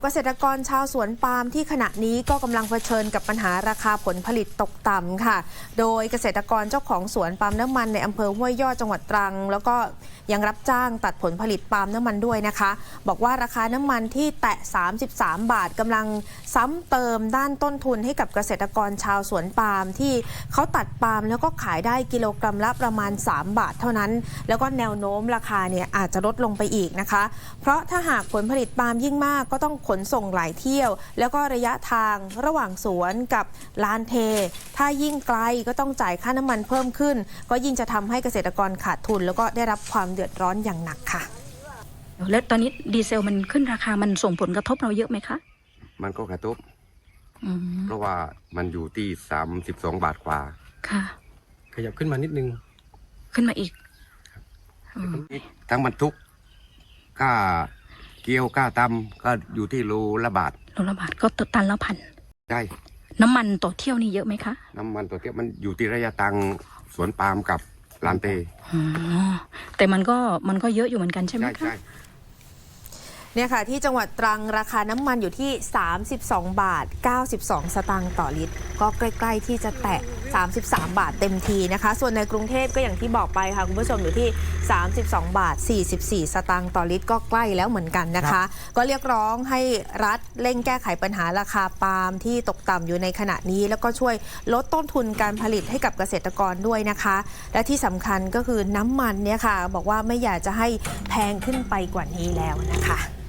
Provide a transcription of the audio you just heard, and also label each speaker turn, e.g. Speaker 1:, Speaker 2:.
Speaker 1: เกษตรกรชาวสวนปาล์มที่ขณะนี้ก็กำลังเผชิญกับปัญหาราคาผลผลิตตกต่ำค่ะโดยเกษตรกรเจ้าของสวนปาล์มน้ำมันในอำเภอห้วยยอดจังหวัดตรังแล้วก็ยังรับจ้างตัดผลผลิตปาล์มน้ำมันด้วยนะคะบอกว่าราคาน้ำมันที่แตะ33 บาทกำลังซ้ำเติมด้านต้นทุนให้กับเกษตรกรชาวสวนปาล์มที่เขาตัดปาล์มแล้วก็ขายได้กิโลกรัมละประมาณ3 บาทเท่านั้นแล้วก็แนวโน้มราคาเนี่ยอาจจะลดลงไปอีกนะคะเพราะถ้าหากผลผลิตปาล์มยิ่งมากก็ต้องขนส่งหลายเที่ยวแล้วก็ระยะทางระหว่างสวนกับลานเทถ้ายิ่งไกลก็ต้องจ่ายค่าน้ำมันเพิ่มขึ้นก็ยิ่งจะทำให้เกษตรกรขาดทุนแล้วก็ได้รับความเดือดร้อนอย่างหนักค่ะ
Speaker 2: แล้วตอนนี้ดีเซลมันขึ้นราคามันส่งผลกระทบเราเยอะไหมคะ
Speaker 3: มันก็กระทบเพราะว่ามันอยู่ที่32 บาทกว่า
Speaker 2: ค่ะ
Speaker 4: ขยับขึ้นมานิดนึง
Speaker 2: ขึ้นมาอีก
Speaker 3: ทั้งบรรทุกค่าเกี่ยวค่าตำก็อยู่ที่โลละบาท
Speaker 2: ก็ตันละพัน
Speaker 3: ใช่
Speaker 2: น้ำมันต่อเที่ยวนี่เยอะไหมคะ
Speaker 3: น้ำมันต่อเที่ยวมันอยู่ที่ระยะทางสวนปาล์มกับลานเต
Speaker 2: แต่มันก็เยอะอยู่เหมือนกันใช่ไหมคะ
Speaker 1: เนี่ยค่ะที่จังหวัดตรังราคาน้ำมันอยู่ที่32 บาท 92 สตางค์ต่อลิตรก็ใกล้ๆที่จะแตะ33 บาทเต็มทีนะคะส่วนในกรุงเทพก็อย่างที่บอกไปค่ะคุณผู้ชมอยู่ที่32 บาท 44 สตางค์ต่อลิตรก็ใกล้แล้วเหมือนกันนะคะก็เรียกร้องให้รัฐเร่งแก้ไขปัญหาราคาปาล์มที่ตกต่ำอยู่ในขณะนี้แล้วก็ช่วยลดต้นทุนการผลิตให้กับเกษตรกรด้วยนะคะและที่สำคัญก็คือน้ำมันเนี่ยค่ะบอกว่าไม่อยากจะให้แพงขึ้นไปกว่านี้แล้วนะคะ